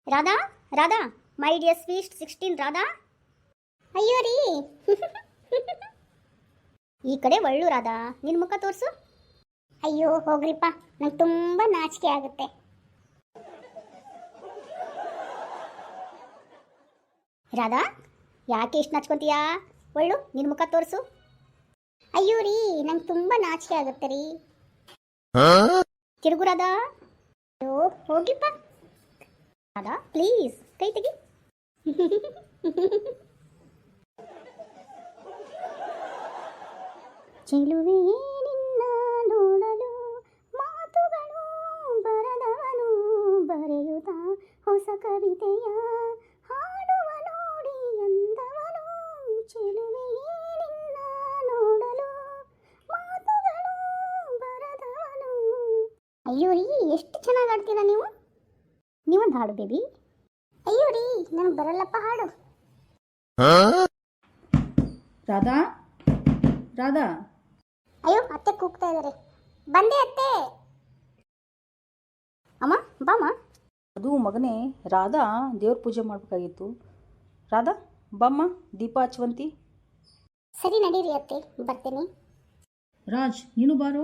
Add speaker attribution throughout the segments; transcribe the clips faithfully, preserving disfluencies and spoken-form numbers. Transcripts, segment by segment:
Speaker 1: Radha Radha my dear sweet sixteen Radha. ಅಯ್ಯೋ ರೀ ಈ ಕಡೆ ಒಳ್ಳು ರಾಧಾ, ನಿನ್ನ ಮುಖ ತೋರಿಸು. ಅಯ್ಯೋ ಹೋಗ್ರಿಪ್ಪ, ನಂಗೆ ತುಂಬ ನಾಚಿಕೆ ಆಗುತ್ತೆ. ರಾಧಾ ಯಾಕೆ ಇಷ್ಟು ನಾಚ್ಕೊಂತೀಯಾ? ಒಳ್ಳು ನಿನ್ನ ಮುಖ ತೋರಿಸು. ಅಯ್ಯೋ ರೀ ನಂಗೆ ತುಂಬ ನಾಚಿಕೆ ಆಗುತ್ತೆ ರೀ. ತಿರುಗು ರಾಧಾ. ಅಯ್ಯೋ ಹೋಗಿಪ್ಪ ರಾಧಾ, ಪ್ಲೀಸ್ ಕೈ ತೆಗಿ. ಚೆಲುವೆ ನಿನ್ನ ನೋಡಲು ಮಾತುಗಳು ಬರದವನು ಬರೆಯುತ್ತ ಹೊಸ ಕವಿತೆಯ ಹಾಡುವ ನೋಡಿ ಎಂದವನು. ಚೆಲುವೆ ನಿನ್ನ ನೋಡಲು ಮಾತುಗಳು ಬರದವನು. ಅಯ್ಯೋ ರೀ ಎಷ್ಟು ಚೆನ್ನಾಗಿ ಆಡ್ತೀರಾ ನೀವು. ನೀವೊಂದು ಹಾಡು ಬೇಬಿ. ಅಯ್ಯೋ ರೀ ನನಗೆ ಬರಲ್ಲಪ್ಪ ಹಾಡು.
Speaker 2: ರಾಧಾ ರಾಧಾ.
Speaker 1: ಅಯ್ಯೋ ಅತ್ತೆ ಕೂಗ್ತಾ ಇದ್ದಾರೆ. ಬಂದೆ ಅತ್ತೆ. ಅಮ್ಮ ಬಾಮ್ಮ.
Speaker 2: ಅದು ಮಗನೇ ರಾಧಾ ದೇವ್ರ ಪೂಜೆ ಮಾಡಬೇಕಾಗಿತ್ತು. ರಾಧಾ ಬಾಮ್ಮ, ದೀಪ ಹಚ್ಚುವಂತಿ.
Speaker 1: ಸರಿ ನಡೀರಿ ಅತ್ತೆ, ಬರ್ತೇನೆ.
Speaker 2: ರಾಜ್ ನೀನು ಬಾರೋ.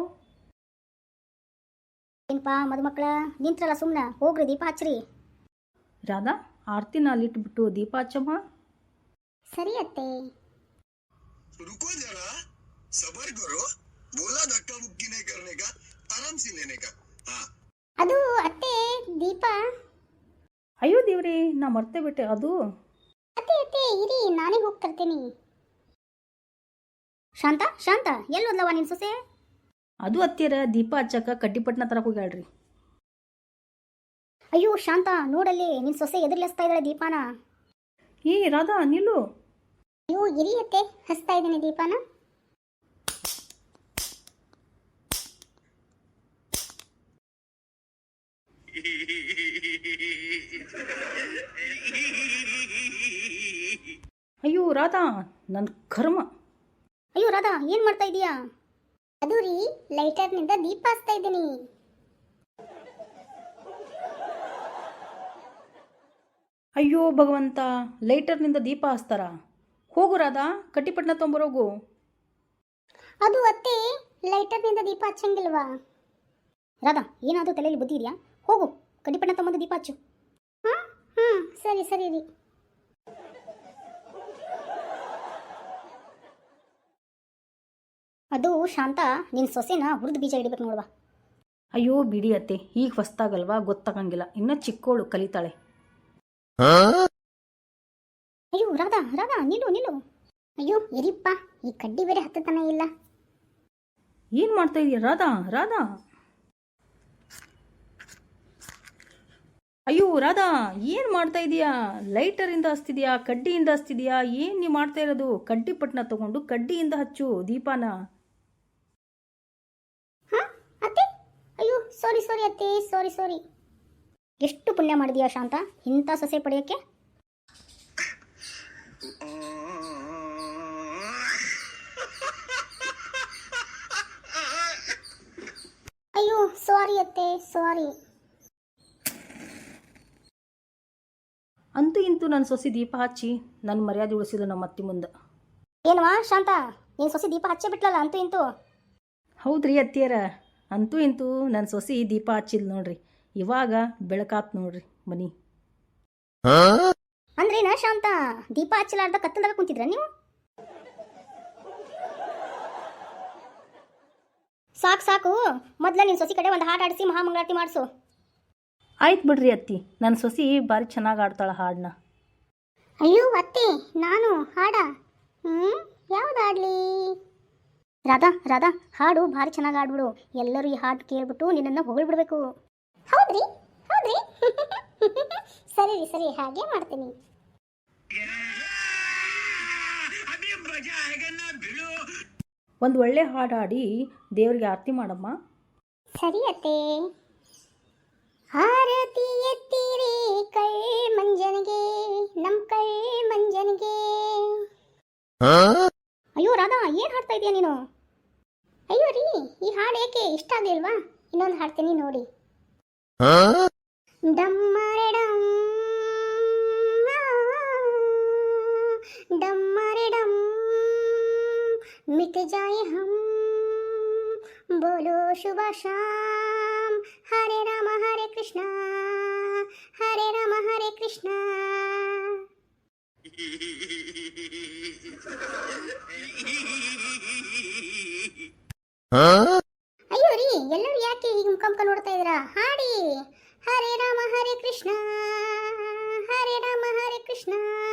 Speaker 1: ಏನಪ್ಪ ಮದುಮಕ್ಕಳ ನಿಂತ್ರಲ್ಲ, ಸುಮ್ಮನೆ ಹೋಗ್ರಿ ದೀಪ ಹಚ್ಚ್ರಿ.
Speaker 2: ರಾಧಾ ಆರ್ತಿನ ಅಲ್ಲಿಟ್ಬಿಟ್ಟು ದೀಪ ಹಚ್ಚಮ್ಮ.
Speaker 1: ಸರಿ ಅತ್ತೆ.
Speaker 3: रुको जरा, सबर करो. बोला धक्का मुक्की नहीं करने का, आराम से लेने का. हाँ.
Speaker 1: ಅದು ಅತ್ತೆ ದೀಪ.
Speaker 2: ಅಯ್ಯೋ ದೇವ್ರೇ, ನಾ ಮರ್ತೇ ಬಿಟ್ಟೆ. ಅದು
Speaker 1: ಅತ್ತೆ ಅತ್ತೆ ಇರಿ, ನಾನೇ ಹೋಗಿ ತರ್ತೀನಿ. ಶಾಂತ ಶಾಂತ ಎಲ್ಲಿ ಹೋದ್ಲವ ನಿನ್ನ ಸೊಸೆ?
Speaker 2: ಅದು ಹತ್ತಿರ ದೀಪ ಹಚ್ಚಕ್ಕ ಕಡ್ಡಿಪಟ್ಟಣ ತರಕ್ಕೆ ಹೋಗ್ಯಾಳ್ರಿ.
Speaker 1: ಅಯ್ಯೋ ಶಾಂತ ನೋಡಲ್ಲಿ, ನಿನ್ನ ಸೊಸೆ ಎದುರ್ಲಿಸ್ತಾ ಇದ್ದಾಳೆ ದೀಪಾನ.
Speaker 2: ಏ ರಾಧಾ ನಿಲ್ಲು.
Speaker 1: ಅಯ್ಯೋ ಇರಿ ಅತ್ತೆ, ಹಚ್ತಾ ಇದ್ದೀನಿ ದೀಪಾನ.
Speaker 2: ಅಯ್ಯೋ ರಾಧಾ ನನ್ನ ಕರ್ಮ.
Speaker 1: ಅಯ್ಯೋ ರಾಧಾ ಏನು ಮಾಡ್ತಾ ಇದೀಯಾ? ಅದು ರೀ ಲೈಟರ್ನಿಂದ ದೀಪ ಹಚ್ತಾ ಇದ್ದೀನಿ.
Speaker 2: ಅಯ್ಯೋ ಭಗವಂತ, ಲೈಟರ್ನಿಂದ ದೀಪ ಹಚ್ತಾರ? ಹೋಗು ರಾಧಾ, ಕಡ್ಡಿಪಟ್ಟಣ ತೊಂಬರೋಗು.
Speaker 1: ಅದು ಅತ್ತೆ ಲೈಟರ್ನಿಂದ ದೀಪ ಹಚ್ಚಂಗಿಲ್ವಾ? ರಾಧಾ ಏನಾದರೂ ತಲೆಯಲ್ಲಿ ಬುದ್ಧಿ ಇದೆಯಾ? ಹೋಗು ಕಡ್ಡಿಪಟ್ಟಣ ತೊಂಬಂದು ದೀಪ ಹಚ್ಚು. ಹಾಂ ಹಾಂ ಸರಿ ಸರಿ ರೀ. ಅದು ಶಾಂತ ನಿನ್ನ ಸೊಸೆನ ಹುರಿದು ಬೀಜ ಹಿಡಿಬೇಕು ನೋಡುವ.
Speaker 2: ಅಯ್ಯೋ ಬಿಡಿ ಅತ್ತೆ, ಈಗ ಹೊಸ್ತಾಗಲ್ವಾ, ಗೊತ್ತಾಗಂಗಿಲ್ಲ. ಇನ್ನೂ ಚಿಕ್ಕೋಳು, ಕಲಿತಾಳೆ.
Speaker 1: ಅಯ್ಯೋ ರಾಧಾ ರಾಧಾ ನಿಲ್ಲು ನಿಲ್ಲು. ಅಯ್ಯೋ ಇರಿಪ್ಪ, ಈ ಕಡ್ಡಿ ಬೇರೆ ಹತ್ತತನ ಇಲ್ಲ.
Speaker 2: ಏನು ಮಾಡ್ತಾ ಇದೀಯ ರಾಧಾ? ರಾಧಾ ಅಯ್ಯೋ ರಾಧಾ ಏನು ಮಾಡ್ತಾ ಇದೀಯಾ? ಲೈಟರಿಂದ ಹಚ್ತಿದ್ಯಾ, ಕಡ್ಡಿಯಿಂದ ಹಚ್ತಿದ್ಯಾ? ಏನು ನೀವು ಮಾಡ್ತಾ ಇರೋದು? ಕಡ್ಡಿ ಪಟ್ಟಣ ತಗೊಂಡು ಕಡ್ಡಿಯಿಂದ ಹಚ್ಚು ದೀಪಾನ.
Speaker 1: ಹಾಂ ಅತ್ತೆ, ಅಯ್ಯೋ ಸಾರಿ ಸಾರಿ ಅತ್ತೆ, ಸಾರಿ ಸಾರಿ. ಎಷ್ಟು ಪುಣ್ಯ ಮಾಡಿದೀಯಾ ಶಾಂತ ಇಂಥ ಸೊಸೆ ಪಡೆಯೋಕ್ಕೆ. ಅಯ್ಯೋ ಸಾರಿ ಅತ್ತೆ, ಸಾರಿ.
Speaker 2: ಅಂತೂ ಇಂತೂ ನನ್ನ ಸೊಸೆ ದೀಪ ಹಚ್ಚಿ ನನ್ನ ಮರ್ಯಾದೆ ಉಳಿಸಿದ್ರು ನಮ್ಮ ಅತ್ತಿ ಮುಂದೆ.
Speaker 1: ಏನವಾ ಶಾಂತ, ನೀನು ಸೊಸೆ ದೀಪ ಹಚ್ಚೇ ಬಿಟ್ಲಲ್ಲ ಅಂತೂ ಇಂತೂ.
Speaker 2: ಹೌದ್ರಿ ಅತ್ತಿಯರ, ಅಂತೂ ಇಂತೂ ನನ್ನ ಸೊಸೆ ದೀಪ ಹಚ್ಚಿದ್ ನೋಡ್ರಿ. ಇವಾಗ ಬೆಳಕಾತ್ ನೋಡ್ರಿ ಮನಿ.
Speaker 1: ಅಂದ್ರೇನ ಶಾಂತ, ದೀಪ ಹಚ್ಚಲಾರ್ದ ಕತ್ತಲ್ದಾಗ ಕುಂತಿದ್ರ ನೀವು? ಸಾಕು ಸಾಕು, ಮೊದ್ಲ ನಿನ್ನ ಸೊಸಿ ಕಡೆ ಒಂದು ಹಾಡು ಆಡಿಸಿ ಮಹಾಮಂಗಳಾರತಿ ಮಾಡಿಸು.
Speaker 2: ಆಯ್ತು ಬಿಡ್ರಿ ಅತ್ತಿ, ನನ್ನ ಸೊಸಿ ಭಾರಿ ಚೆನ್ನಾಗಿ ಆಡ್ತಾಳೆ ಹಾಡನ್ನ.
Speaker 1: ಅಯ್ಯೋ ಅತ್ತೆ ನಾನು ಹಾಡ? ಹ್ಞೂ ಯಾವ್ದು ಆಡಲಿ? ರಾಧಾ ರಾಧಾ ಹಾಡು ಭಾರಿ ಚೆನ್ನಾಗಿ ಆಡ್ಬಿಡು. ಎಲ್ಲರೂ ಈ ಹಾಡು ಕೇಳ್ಬಿಟ್ಟು ನಿನ್ನನ್ನು ಹೊಗಳ್ಬಿಡ್ಬೇಕು. ಹೌದ್ರಿ ಹೌದ್ರಿ ಸರಿ ರೀ ಸರಿ, ಹಾಗೆ ಮಾಡ್ತೀನಿ.
Speaker 2: ಒಂದು ಒಳ್ಳೆ ಹಾಡು ಹಾಡಿ ದೇವರಿಗೆ ಆರತಿ ಮಾಡಮ್ಮ.
Speaker 1: ಸರಿ ಅತ್ತೆ. ಆರತಿ ಎತ್ತಿರಿ ಕೈ ಮಂಜನಿಗೆ, ನಮ್ ಕೈ ಮಂಜನಿಗೆ. ಅಯ್ಯೋ ರಾಧಾ ಏನ್ ಹಾಡ್ತಾ ಇದೀಯ ನೀನು? ಅಯ್ಯೋ ರೀ ಈ ಹಾಡು ಏಕೆ ಇಷ್ಟ ಆಗಲಿಲ್ವಾ? ಇನ್ನೊಂದು ಹಾಡ್ತೀನಿ ನೋಡಿ. ಡಮ್ಮರೆ ಡಮ್ बीत जाए हम बोलो शुभ शाम हरे राम हरे कृष्णा हरे राम हरे कृष्णा ಅಯ್ಯೋ ರೀ ಎಲ್ಲರೂ ಯಾಕೆ ಹೀಗೆ ಮುಖಾಮುಖ ನೋಡ್ತಾ ಇದ್ದೀರಾ ಹಾಡಿ ಹರೇ ರಾಮ ಹರೇ ಕೃಷ್ಣ ಹರೇ ರಾಮ ಹರೇ ಕೃಷ್ಣ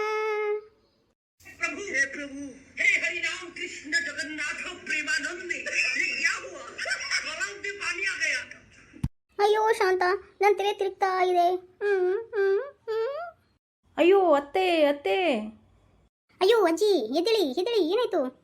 Speaker 4: प्रभु हे प्रभु हे हरि राम कृष्ण जगन्नाथ प्रेमानंद ये क्या हुआ गलाव में पानी आ गया
Speaker 1: ಅಯ್ಯೋ ಶಾಂತ ನನ್ನ ತಲೆ ತಿರುಗ್ತಾ ಇದೆ ಹ್ಮ್ ಹ್ಮ್ ಹ್ಮ್
Speaker 2: ಅಯ್ಯೋ ಅತ್ತೆ ಅತ್ತೆ
Speaker 1: ಅಯ್ಯೋ ಅಜ್ಜಿ ಎದ್ದೇಳಿ ಎದ್ದೇಳಿ ಏನಾಯ್ತು